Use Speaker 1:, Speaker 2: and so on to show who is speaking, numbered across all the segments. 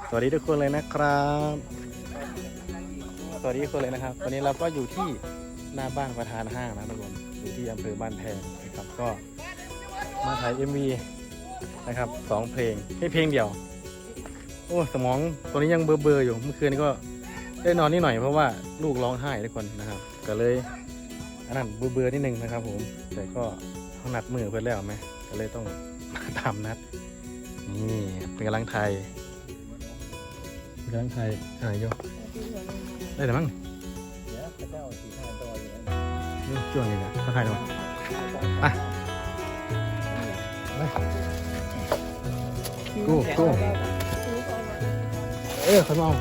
Speaker 1: สวัสดีทุกคนเลยนะครับสวัสดีทุกคนเลยนะครับวันนี้เราก็อยู่ที่หน้าบ้านประธานห้างนะทุกคนอยู่ที่อำเภอบ้านแพงนะครับก็มาถ่าย MV นะครับ2 เพลงไม่เพลงเดียวโอ้สมองตัวนี้ยังเบลอๆอยู่เมื่อคืนก็ได้นอนนิดหน่อยเพราะว่าลูกร้องไห้ทุกคนนะครับก็เลยอันนั้นเบลอๆนิดนึงนะครับผมแต่ก็เขานัดมือเพื่อนแล้วไหมก็เลยต้องมาตามนัดนี่เป็นกำลังไทยกำลังไทยโยได้แต่มั้งช่วงนี้นะทักทายหน่อยไปกู้เขามอง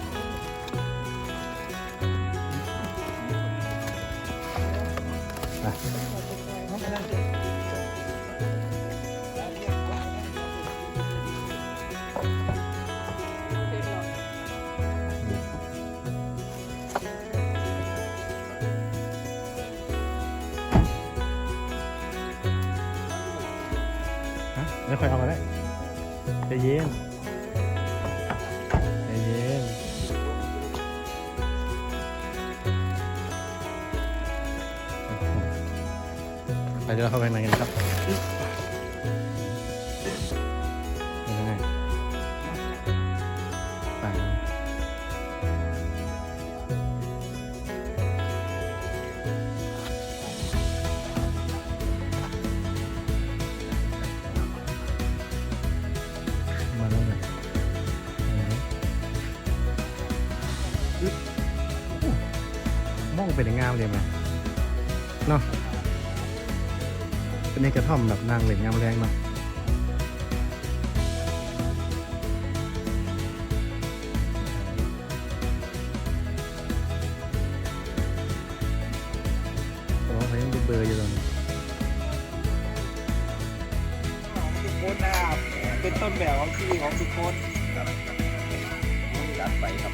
Speaker 1: ไม่ค่อยเอามาได้ใจเย็นใจเย็นไปเดี๋ยวเราเข้าไปในกันครับยังไงไปมองเป็นงามเลยไหมเนาะเป็นในกระท่อมแบบนางเหล็กงามแรงเนาะแต่ว่าเขายังเบลอๆอยู่ตอนนี้
Speaker 2: ทุกคนนะครับเป็นต้นแบบของชีวิตของทุกคนรับไปครับ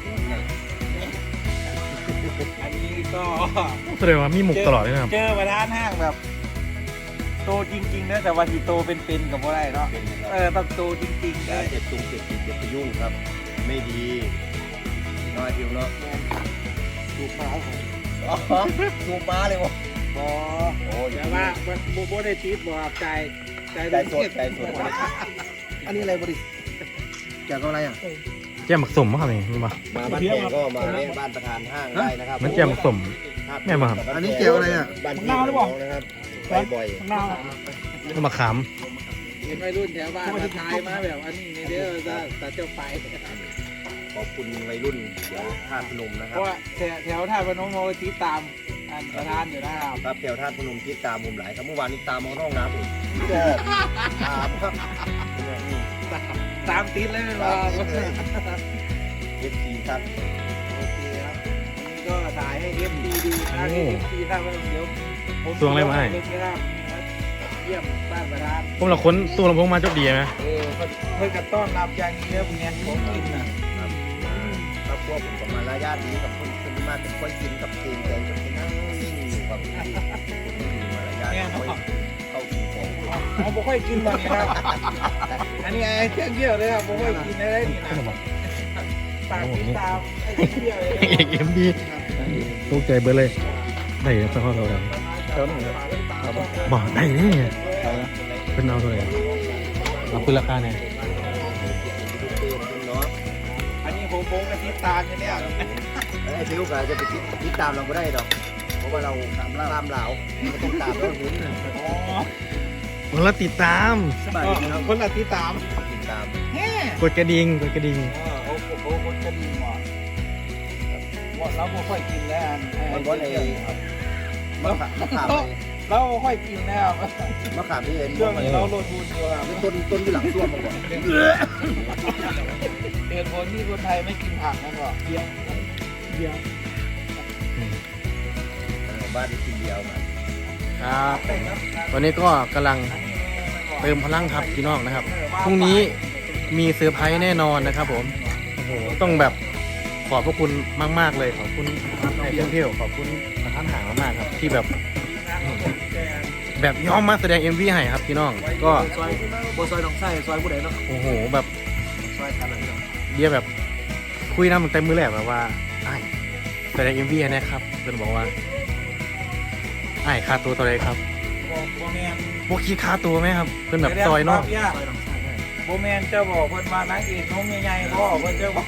Speaker 2: อันนี้ก็
Speaker 1: แสดงว่ามีหมุกตลอดเลยนะครับ
Speaker 2: เจอประธานห้างแบบ โตจริงๆนะแต่ว่าที่โตเป็นกับอะไรเนาะต้องโตจริงๆนะ
Speaker 3: อย่าเจ็บตุงเจ็บติดอย่าไปยุ่งครับ ไม่ดีน้อยทิวเนาะ
Speaker 2: ดูฟ้าของ
Speaker 3: ดูม้าเลยวะ
Speaker 2: บอโอ้ยแต่ว่าโบได้ติดบอกใจ
Speaker 3: ใจสดอันนี้อะไรบริเกี่ยวกับอะไรอ่ะ
Speaker 1: แจ่มหมักสมมั้งครับนี่มีป่ะ
Speaker 3: มาบ้านแขกก็มาเล่นบ้านประธานห้างได้นะครับ
Speaker 1: มันแจ่มหมักสม แม่มาครับ
Speaker 3: อันนี้เกี่ยวอะไรอ่ะบ้านพี่น้องนะครับไปบ่อย
Speaker 2: หน้า
Speaker 1: ก็มาขาม
Speaker 2: เห็นวัยรุ่นแถวบ้านมาทายมาแบบอันนี้ในเด้อจะเจ้าไป
Speaker 3: ขอบคุณวัยรุ่นเดี๋ยวท่าพนมนะค
Speaker 2: เพ
Speaker 3: รับ
Speaker 2: ราะว่าแถวท่าพนมโมติตามอันประธานอยู่นะครับ
Speaker 3: ครับแถวท่าพนมที่ตามมุมหลายครับเมื่อวานนี้ตามมาห้องน้ำอีกตามครับ
Speaker 2: ตามติดเลยมา
Speaker 3: เอฟซีครับ
Speaker 2: โอเคครับวันนี้ก็ถ่ายให้เอฟซีดูนะเอฟซีท่าพนมเดี๋ยวผม
Speaker 1: สวงอะไรมาให้
Speaker 2: นะครับเยี่ยมบ้านประธาน
Speaker 1: ผมเราค้นตู้ลำโพงมาจบดีไหม
Speaker 2: เพื่อนกันต้อนรับอย่างนี้ครับเนี่ยผมกินนะ
Speaker 3: ครอบครัวผมกับมารยาทดีกับคนมากเป็นคนกินกับเกมใจจนไปนั่งนิ่งอยู่กับไม่มีมารยาทเข้ากินของ
Speaker 2: ผมไม่ค่อยกินแบบนี้ครับอันนี้ไอ้เครื่องเยี่ยวเลยครับผมไม่ค่อยกินได้นี่นะปากติดตามไอ้เครื่องเยี่ยวเลย
Speaker 1: เอกเอ็มดีตกใจเบอร์เลยได้เลยสักข้อเราได้บอกได้เนี่ยเป็นเอาเท่าไหร่เอาคุณราคาเนี่ย
Speaker 3: เนาะ
Speaker 2: อันนี้ผมกับติดตามเนี่ย
Speaker 3: ไอ้ฟิวก็จะไปติดตามเราก็ได้ดอกเพราะว่าเราตามเหล่าก็ต้องตามเราหุ่น
Speaker 2: อ๋อ
Speaker 1: คนละติดตาม
Speaker 3: สบายดีครับ
Speaker 2: คนละติดตาม
Speaker 3: ติดตาม
Speaker 2: แฮ่
Speaker 1: กดกระดิ่งกดกระดิ่ง
Speaker 2: โอ้โหคนจะดีว่ะว่าเราไม่ค่อยกินแล้ว
Speaker 3: มันว่าในมะขาม
Speaker 2: เราไม่ค่อยกินแล้ว
Speaker 3: มะขามที่เห็น
Speaker 2: เรื่องนี้เราโดนบูนอยู่ครับ
Speaker 3: ต้นอยู่หลังส้วมมาก่อน
Speaker 2: เหตุผลที่คนไทยไม่กินผักนั่นก็เดียว
Speaker 3: บ้านที่กินเดียวมา
Speaker 1: ครับตอนนี้ก็กำลังเติมพลังครับพี่น้องนะครับพรุ่งนี้มีเซอร์ไพรส์แน่นอนนะครับผมโอ้โหต้องแบบขอบพระคุณมากๆเลยขอบคุณในเที่ยวขอบคุณท่านหางมากๆครับที่แบบยอมมาแสดง MV ให้ครับพี่น้องก็
Speaker 3: ซอยหนองไส้ซอยผู้ใดเนาะ
Speaker 1: โอ้โหแบบ
Speaker 3: ซอยกันเลย
Speaker 1: เบียร์แบบคุยน้ำมันเต็มมือแหละแบบว่าไอ้แต่ในMVนะครับเพื่อนบอกว่าไอ้ค่าตัวเท่าไหรครับ
Speaker 2: โบแมน
Speaker 1: พวกคิดค่าตัวไหมครับเพื่อนแบบซอยเนาะ
Speaker 2: โบแมนจะบอกคนมานางเอกน้องใหญ่ๆบอกคนจะบอก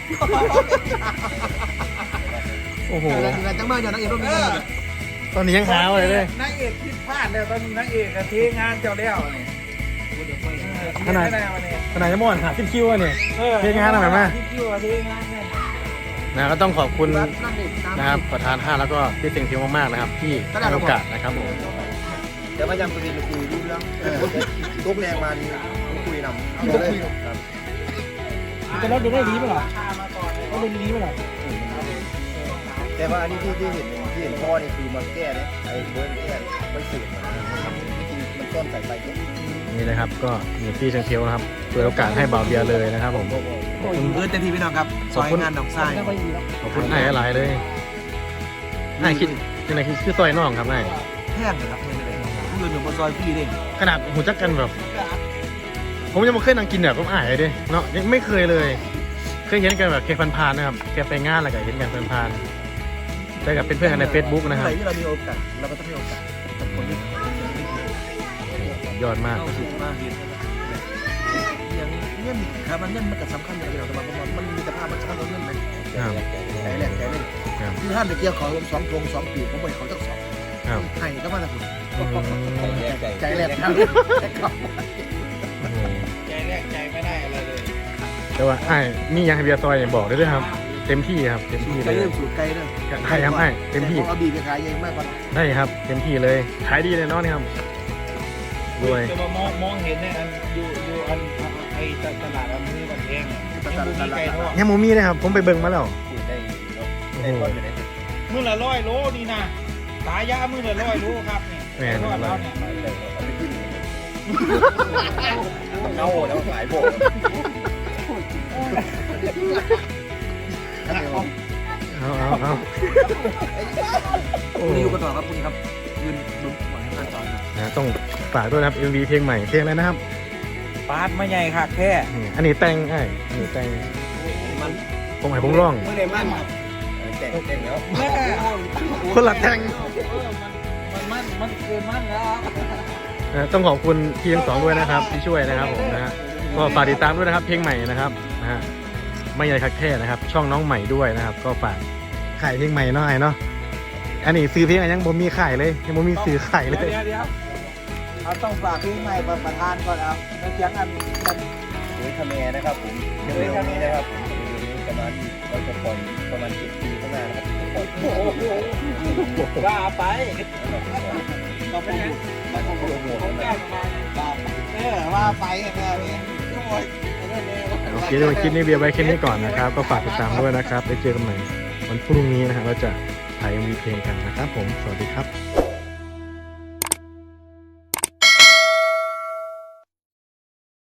Speaker 1: โอ้โห
Speaker 3: อะไรจังมาอย่างนักเอกต้องมี
Speaker 1: ตอนนี้ยังหาอะไรเลย
Speaker 2: นางเอกคิดพลาดแล้วตอนนี้นางเอกเทงานเจ้าแล้วนี่
Speaker 1: ขนาดจะม่อนหาคิวอ่ะเนี่ย เทงานอะไรมา
Speaker 2: ที่คิวเทงานเนี่ย
Speaker 1: นะก็ต้องขอบคุณนะครับประธานห้างแล้วก็พี่เต็งเทียวมากๆนะครับที่ให้โอกาสนะครับผม
Speaker 3: เดี๋ยวพยายามจะไปคุยรู้เรื่องตุ๊กแดงมานี่คุยนำเลยครับ
Speaker 2: จะรถดูได้ดีป่ะล่ะรถดูดีป่ะล่ะ
Speaker 3: แต่ว่าอันนี้ที่เห็นพ่อนี่คือมาแก้เนี่ยไอ้เบิร์นแก้ไม่สืบมาจริงมันต้นใส่ไปเนี่ย
Speaker 1: นี่นะครับก็มีพี่เต็งเทียวนะครับเปิดโอกาสให้บ่าวเบียร์เลยนะครับผม
Speaker 3: ขอบคุณเพื่อนเต็มที่พี่น้องครับซอยงานหนองทราย
Speaker 1: ขอบคุณไอ้หลายเลยไอ้คิดยังไงคือซอยน้องครับไอ้
Speaker 3: แห้งนะครับแห้งเลยผู้อื่นอยู่บนซอยพี่เด้ง
Speaker 1: ขนาดหูจักกันแบบ ผมยังไม่เคยนั่งกินแบบก็อ้ายเลยเนาะยังไม่เคยเลย เคยเห็นกันแบบแค่ผ่านๆนะครับแค่ไปงานอะไรก็เห็นกันผ่านๆแต่กับเป็นเพื่อนกันใน Facebook นะครับ
Speaker 3: อะไรที่เรามีโอกาสเราก็ต้องให้โอกาสกับคนที่
Speaker 1: ยอดมาก
Speaker 3: เข้าสู่มาเห็นอย่างเงื่อนครับมันเงื่อนมันก็สำคัญอย่างเราแต่ว่ามันมีแต่ภาพมันสำคัญเราเงื่อนไหม
Speaker 1: ครับ
Speaker 3: ใจแรกใจเล่น
Speaker 1: ครับ
Speaker 3: คือห้ามไปเกี่ยวเขาลง2 ปีผมไปเขาจัก2
Speaker 1: ครับ
Speaker 3: ให้ก็มาแต่คุณ
Speaker 1: อืม
Speaker 3: ใจแรกครับ
Speaker 1: โอ้โห
Speaker 2: ใจแรกใจไม่ได้อะไรเลย
Speaker 1: แต่ว่าไอ้มียังให้เบียร์ซอยอย่างบอกได้ด้วยครับ เต็มที่ครับเต็มที่
Speaker 3: ไกล
Speaker 1: เลย
Speaker 3: เริ่มสูตรไกลเริ่ม
Speaker 1: ได้ครับไอ้เต็มที่
Speaker 3: เอาบีไปขายเองมากกว่า
Speaker 1: ได้ครับเต็มที่เลยขายดีเลยเนาะนี่ครับด้วย
Speaker 2: จะมามองเห็นเนี่ยอันอยู่อันไอ้ตลาดอำเภอบันแพงยังมีไก่ทอด
Speaker 1: ยังหมูมีนะครับผมไปเบิ่งมาแล้ว
Speaker 3: สูตรได้
Speaker 1: โอ้โห
Speaker 2: มื้อละ100 โลนี่นะตายามื้อละ100 โลครับนี่
Speaker 1: แม่น
Speaker 2: ทอดแล้วเนี่ย
Speaker 3: เอาไปขึ้นเน่าแล้วขายโบก
Speaker 1: เอาโอ้
Speaker 3: คุณอยู่กันต่อครับคุณครับยืนลุ้นหวังให้การจอยครับ
Speaker 1: นะต้องฝากด้วยนะครับ MV เพลงใหม่เพลงอะไรนะครับ
Speaker 2: ปาดมาใหญ่ค่ะแค่
Speaker 1: นี่อันนี้แต่งไอ้อันนี้แต่ง
Speaker 3: มัน
Speaker 1: ผมให้ผมร้อง
Speaker 3: เมื่อไหร่มันแต่งแล้ว
Speaker 2: แม่
Speaker 1: คนละแต่ง
Speaker 2: มันเกินมันแล้ว
Speaker 1: ต้องขอบคุณพี่ทั้งสองด้วยนะครับที่ช่วยนะครับผมนะฮะก็ฝากติดตามด้วยนะครับ เพลงใหม่นะครับนะฮะไม่ใหญ่คักแท้นะครับ ช่องน้องใหม่ด้วยนะครับ ก็ฝากขายเพลงใหม่หน่อยเนาะอันนี้ซื้อเพลงอะไรยังบ่มีขายเลยยังบ่มีซื้อขายเลย
Speaker 2: เดี๋ยวเราต้องฝากเพลงใหม่ประธานก่อนครับแล้วเสียงอัน
Speaker 3: โดยทำแมนะครับผมเร็วๆนี้นะครับผมเร็วๆนี้ประมาณเราจะปล่อยประมาณ7 ปีข้างหน้านะครับปล่อย
Speaker 2: โอ้โหว่าไปเราไปงั้น
Speaker 3: มาโปรโมท
Speaker 2: เขา
Speaker 3: นะ
Speaker 2: แก้มาว่าไปแค่นี้ทุกคน
Speaker 1: โอเคเดี๋ยวคลิปนี้เบียร์ไว้แค่นี้ก่อนนะครับ ก็ฝากติดตามด้วยนะครับไปเจอกันใหม่วันพรุ่งนี้นะครับเราจะถ่าย MV เพลงกันนะครับผมสวัสดีครับ